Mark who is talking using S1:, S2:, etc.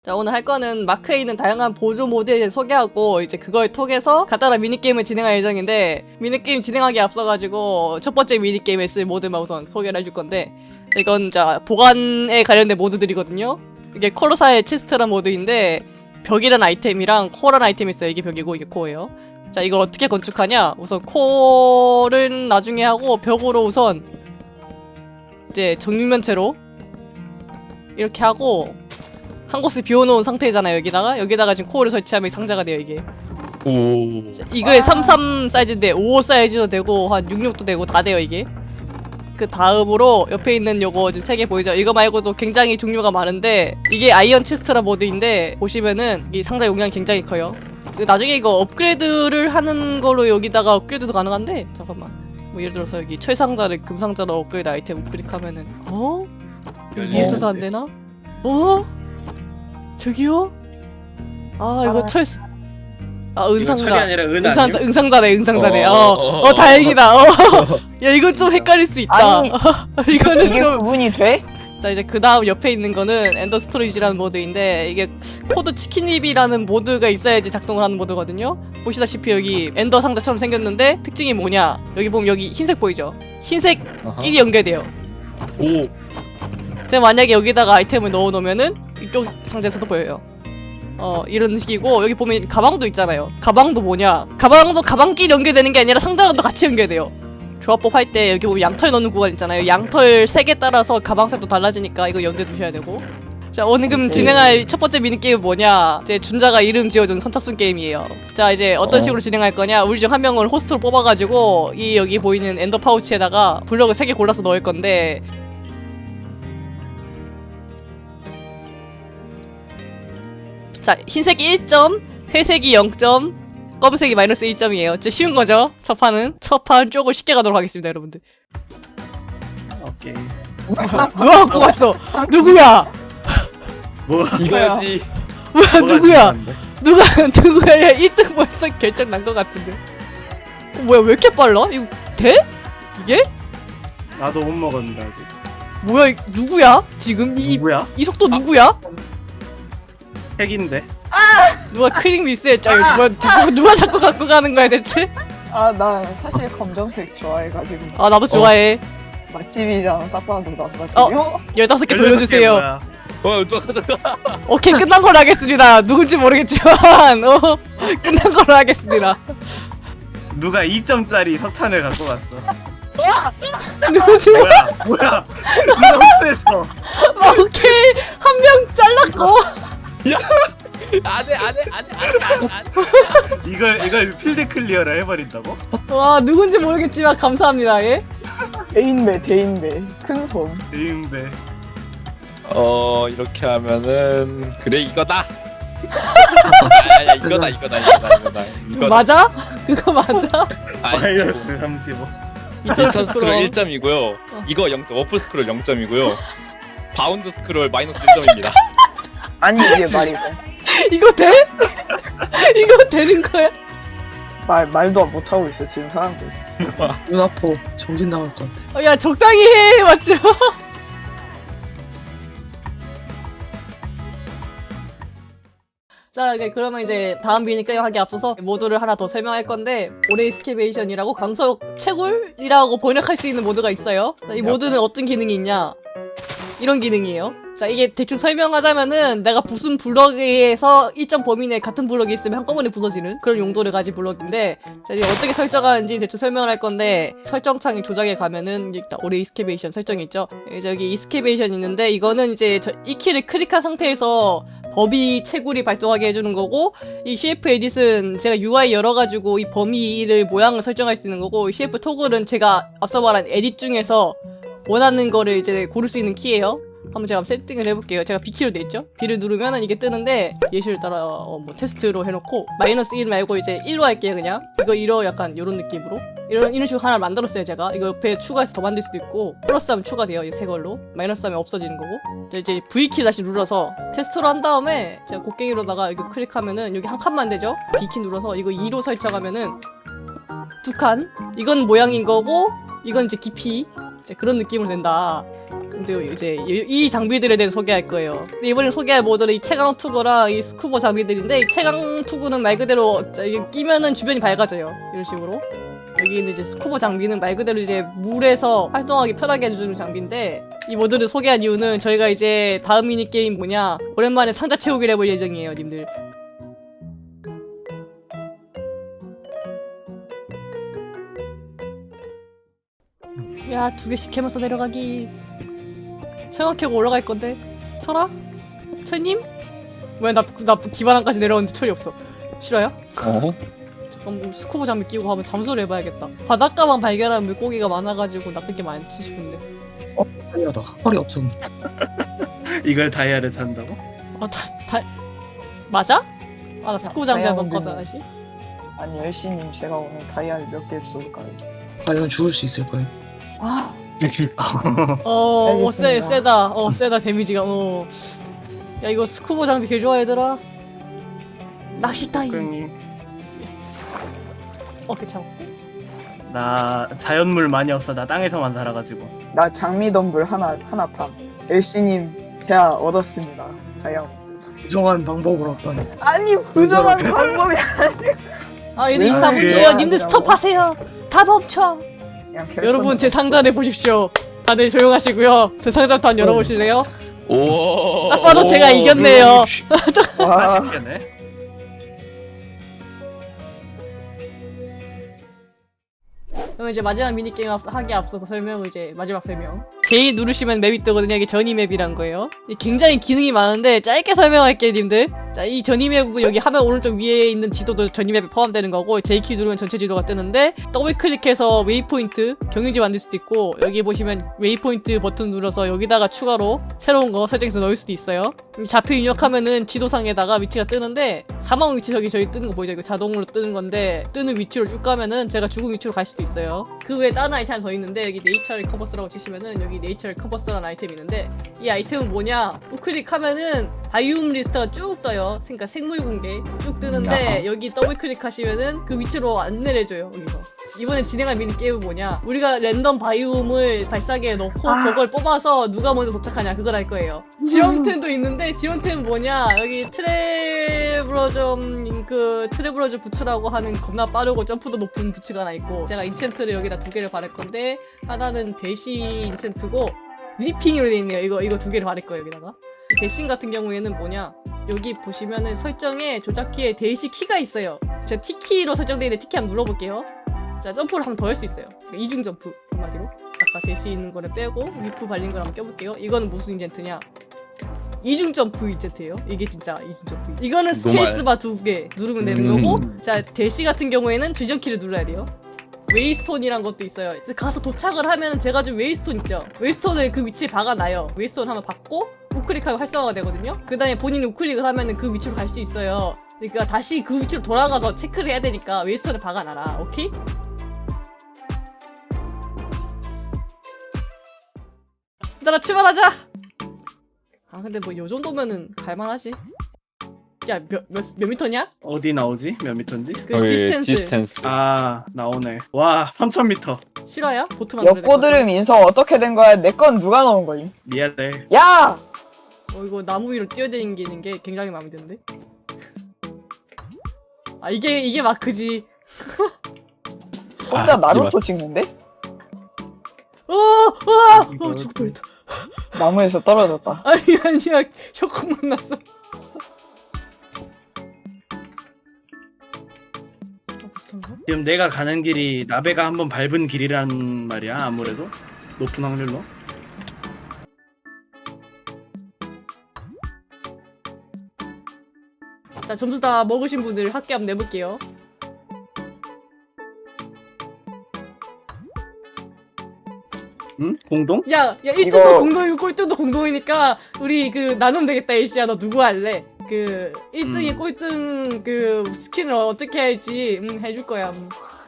S1: 자, 오늘 할 거는 마크에 있는 다양한 보조 모드에 소개하고 이제 그걸 통해서 간단한 미니게임을 진행할 예정인데, 미니게임 진행하기에 앞서가지고 첫 번째 미니게임에 쓸 모드만 우선 소개를 해줄 건데, 이건 자 보관에 관련된 모드들이거든요. 이게 코르사의 체스트란 모드인데 벽이란 아이템이랑 코어란 아이템이 있어요. 이게 벽이고 이게 코어예요. 자, 이걸 어떻게 건축하냐, 우선 코어는 나중에 하고 벽으로 우선 이제 정육면체로 이렇게 하고 한 곳을 비워놓은 상태잖아요. 여기다가 지금 코어를 설치하면 상자가 돼요. 이게
S2: 오.
S1: 자, 이거에 33 사이즈인데 55 사이즈도 되고 한 66도 되고 다 돼요. 이게 그 다음으로 옆에 있는 요거 지금 3개 보이죠? 이거 말고도 굉장히 종류가 많은데, 이게 아이언 체스트라 모드인데 보시면은 이 상자 용량이 굉장히 커요. 나중에 이거 업그레이드를 하는 걸로 여기다가 업그레이드도 가능한데, 잠깐만, 뭐 예를 들어서 여기 철상자를 금상자로 업그레이드 아이템 클릭하면은 여기에 있어서 안 되나? 저기요? 이거 은상자.
S3: 철이 아니라 은 아니에요?
S1: 응상자네. 다행이다. 야, 이건 좀 헷갈릴 수 있다.
S4: 아니,
S1: 이거는
S4: 이게
S1: 좀.
S4: 구분이 돼?
S1: 자, 이제 그 다음 옆에 있는 거는 엔더 스토리지라는 모드인데, 이게 코드 치킨입이라는 모드가 있어야지 작동을 하는 모드거든요. 보시다시피 여기 엔더 상자처럼 생겼는데 특징이 뭐냐? 여기 보면 여기 흰색 보이죠? 흰색끼리 연결돼요.
S2: 오.
S1: 제가 만약에 여기다가 아이템을 넣어놓으면은 이쪽 상자에서도 보여요. 이런 식이고, 여기 보면 가방도 있잖아요. 가방도 뭐냐? 가방도 가방끼리 연결되는 게 아니라 상자랑도 같이 연결돼요. 조합법 할 때 여기 보면 양털 넣는 구간 있잖아요. 양털 색에 따라서 가방 색도 달라지니까 이거 염두에 두셔야 되고. 자, 오늘 그럼 진행할 첫 번째 미니게임은 뭐냐? 제 준자가 이름 지어준 선착순 게임이에요. 자, 이제 어떤 식으로 진행할 거냐? 우리 중 한 명을 호스트로 뽑아가지고 이 여기 보이는 엔더 파우치에다가 블럭을 3개 골라서 넣을 건데, 자, 흰색이 1점, 회색이 0점, 검은색이 마이너스 1점이에요. 진짜 쉬운 거죠? 첫 판은 조금 쉽게 가도록 하겠습니다, 여러분들.
S3: 오케이.
S1: 누가 갖고 왔어? 누구야?
S3: 뭐
S2: 이거지.
S1: 누구야? 누구야? 야, 1등 벌써 결정 난 것 같은데. 뭐야, 왜 이렇게 빨라? 이거 돼? 이게?
S3: 나도 못 먹었는데 아직.
S1: 뭐야, 누구야? 지금
S3: 누구야?
S1: 이 속도 누구야?
S3: 핵인데.
S1: 누가 크림 미스했죠? 누가 자꾸 갖고 가는 거야 대체?
S4: 나 사실 검정색 좋아해가지고.
S1: 나도 좋아해.
S4: 맛집이잖아. 딱 봐도 맛집이요?
S1: 15개 돌려주세요.
S3: 뭐야?
S2: 누가
S1: 오케이, 끝난 걸로 하겠습니다. 누군지 모르겠지만 끝난 걸로 하겠습니다.
S3: 누가 2점짜리 석탄을 갖고 갔어.
S1: 누구세요?
S3: 뭐야? 누가 흡수했어?
S1: 오케이, 한 명 잘랐고.
S2: 안해.
S3: 이걸 필드 클리어를 해버린다고?
S1: 와, 누군지 모르겠지만 감사합니다. 예?
S4: 대인배. 큰 손.
S3: 대인배.
S2: 이렇게 하면은 그래 이거다. 야, 이거다.
S1: 이거 맞아? 그거 맞아?
S3: 마이너스 35.
S2: 인턴 스크롤 1점이고요. 이거 0점. 워프 스크롤 0점이고요. 바운드 스크롤 마이너스 1점입니다.
S4: 아니 이게 말이 돼?
S1: 이거 돼? 이거 되는 거야?
S4: 말도 못하고 있어 지금 사람들.
S5: 눈 아파. 정신 나갈 것 같아.
S1: 야, 적당히 해. 맞죠? 자, 그러면 이제 다음 미니게임 하기 앞서서 모드를 하나 더 설명할 건데, 오레이스케베이션이라고 광석 채굴이라고 번역할 수 있는 모드가 있어요. 자, 이 모드는 어떤 기능이 있냐? 이런 기능이에요. 자, 이게 대충 설명하자면은 내가 부순 블럭에서 일정 범위 내에 같은 블럭이 있으면 한꺼번에 부서지는 그런 용도를 가진 블럭인데, 자, 이제 어떻게 설정하는지 대충 설명을 할 건데, 설정창에 조작에 가면은 일단 오레이스케베이션 설정이 있죠. 이제 여기 이스케베이션 있는데, 이거는 이제 이 키를 클릭한 상태에서 범위 채굴이 발동하게 해주는 거고, 이 CF 에딧은 제가 UI 열어가지고 이 범위를 모양을 설정할 수 있는 거고, 이 CF 토글은 제가 앞서 말한 에딧 중에서 원하는 거를 이제 고를 수 있는 키예요. 한번 제가 세팅을 해볼게요. 제가 B키로 돼있죠? B를 누르면은 이게 뜨는데, 예시를 따라 뭐 테스트로 해놓고 마이너스 1 말고 이제 1로 할게요. 그냥 이거 1로 약간 이런 느낌으로 이런 식으로 하나 만들었어요. 제가 이거 옆에 추가해서 더 만들 수도 있고, 플러스 하면 추가돼요. 이 새 걸로. 마이너스 하면 없어지는 거고. 자, 이제 V키 다시 눌러서 테스트로 한 다음에 제가 곡괭이로다가 이거 클릭하면은 여기 한 칸만 되죠? B키 눌러서 이거 2로 설정하면은 2칸. 이건 모양인 거고, 이건 이제 깊이. 이제 그런 느낌으로 된다. 근데 이제 이 장비들에 대해 소개할 거예요. 근데 이번에 소개할 모델은 이 채광 투구랑 이 스쿠버 장비들인데 이 채광 투구는 말 그대로 이게 끼면은 주변이 밝아져요. 이런 식으로. 여기 있는 이제 스쿠버 장비는 말 그대로 이제 물에서 활동하기 편하게 해주는 장비인데 이 모드를 소개한 이유는 저희가 이제 다음 미니 게임 뭐냐 오랜만에 상자 채우기를 해볼 예정이에요, 님들. 야, 2개씩 캐면서 내려가기. 체험 캐고 올라갈 건데. 철아? 철님? 왜 나 기반항까지 내려오는데 철이 없어. 싫어요?
S2: 어?
S1: 잠깐 뭐 스쿠버 장비 끼고 한번 잠수를 해봐야겠다. 바닷가만 발견한 물고기가 많아가지고 나쁠 게 많지 싶은데.
S5: 다이아다. 허리 없음.
S3: 이걸 다이아를 찬다고?
S1: 맞아? 아, 나 스쿠버 장비 한번
S4: 다이아몬드.
S1: 꺼봐야지.
S4: 아니 열시님 제가 오늘 다이아를 몇 개 쏠까요?
S5: 과연 죽을 수 있을 거예요.
S4: 아 알겠습니다.
S1: 세다. 세다, 데미지가. 야, 이거 스쿠버 장비 개 좋아, 얘들아. 낚시 타임.
S3: 형님,
S1: 괜찮아.
S3: 나 자연물 많이 없어. 나 땅에서만 살아가지고.
S4: 나 장미덤불 하나 탐. 열시님 제가 얻었습니다. 다이아.
S5: 부정한 방법으로 어떤.
S4: 아니 부정한 방법이
S1: 아, 얘들
S4: 왜
S1: 이상해요.
S4: 그래?
S1: 님들 스톱하세요. 다 멈춰.
S4: 그냥
S1: 여러분, 제 상자를 보십시오. 다들 조용하시고요. 제 상자부터 한번 열어보실래요?
S2: 오.
S1: 딱 봐도 제가 이겼네요.
S4: 와,
S3: 아쉽겠네.
S1: 그럼 이제 마지막 미니게임 하기에 앞서서 마지막 설명. J 누르시면 맵이 뜨거든요. 이게 전이 맵이란 거예요. 굉장히 기능이 많은데 짧게 설명할게요, 님들. 자, 이 전이 맵은 여기 화면 오른쪽 위에 있는 지도도 전이 맵에 포함되는 거고, J키 누르면 전체 지도가 뜨는데, 더블 클릭해서 웨이포인트, 경유지 만들 수도 있고, 여기 보시면 웨이포인트 버튼 눌러서 여기다가 추가로 새로운 거 설정해서 넣을 수도 있어요. 좌표 입력하면은 지도상에다가 위치가 뜨는데, 사망 위치 저기 뜨는 거 보이죠? 이거 자동으로 뜨는 건데, 뜨는 위치로 쭉 가면은 제가 죽은 위치로 갈 수도 있어요. 그 외에 다른 아이템 하나 더 있는데, 여기 네이처 커버스라고 치시면은 여기 네이처 커버스라는 아이템이 있는데, 이 아이템은 뭐냐? 우클릭하면은 바이옴 리스트가 쭉 떠요. 그러니까 생물 공개 쭉 뜨는데 여기 더블 클릭하시면은 그 위치로 안내를 해줘요. 여기서 이번에 진행할 미니 게임은 뭐냐? 우리가 랜덤 바이옴을 발사기에 넣고 그걸 뽑아서 누가 먼저 도착하냐 그걸 할 거예요. 지원템도 있는데 지원템은 뭐냐? 여기 트래블러점 부츠라고 하는 겁나 빠르고 점프도 높은 부츠가 하나 있고, 제가 인챈트를 여기다 2개를 바를 건데 하나는 대시 인챈트고 리핑으로 돼 있네요. 이거 2개를 바를 거예요. 여기다가 대신 같은 경우에는 뭐냐, 여기 보시면은 설정에 조작키에 대시 키가 있어요. 제가 T키로 설정되어 있는데 T키 한번 눌러볼게요. 자, 점프를 한 번 더 할 수 있어요. 이중 점프 한마디로. 아까 대시 있는 거를 빼고 리프 발린 걸 한번 껴볼게요. 이거는 무슨 인젠트냐, 이중 점프 인젠트예요. 이게 진짜 이중 점프. 이거는 스페이스바 2개 누르면 되는 거고, 자, 대시 같은 경우에는 뒤전키를 눌러야 돼요. 웨이스톤이란 것도 있어요. 그래서 가서 도착을 하면 제가 좀 웨이스톤 있죠? 웨이스톤을 그 위치에 박아놔요. 웨이스톤 한번 박고 우클릭하면 활성화가 되거든요? 그 다음에 본인이 우클릭을 하면 그 위치로 갈 수 있어요. 그러니까 다시 그 위치로 돌아가서 체크를 해야 되니까 웨이스톤을 박아놔라. 오케이? 얘들아, 출발하자! 아, 근데 뭐 요 정도면은 갈만하지. 야, 몇 미터냐?
S3: 어디 나오지? 몇 미터인지?
S1: 그 디스텐스.
S3: 아, 나오네. 와, 3000m.
S1: 실화야? 보트 만들어.
S4: 엿고드름 인성 어떻게 된 거야? 내 건 누가 넣은 거임?
S3: 미안해.
S4: 야!
S1: 이거 나무 위로 뛰어다니는 게 굉장히 마음에 드는데? 아, 이게 마크지.
S4: 혼자 나루토 찍는데?
S1: 죽을 뻔했다.
S4: 나무에서 떨어졌다.
S1: 아니야. 혀콩만 났어.
S3: 지금 내가 가는 길이 나베가 한번 밟은 길이란 말이야. 아무래도 높은 확률로.
S1: 자, 점수 다 먹으신 분들 합계 한번 내볼게요.
S3: 응? 공동?
S1: 야, 1등도
S4: 이거-
S1: 공동이고 꼴등도 공동이니까 우리 그 나누면 되겠다. 일시야, 너 누구 할래? 1등이 꼴등 그 스킨을 어떻게 할지 해줄 거야.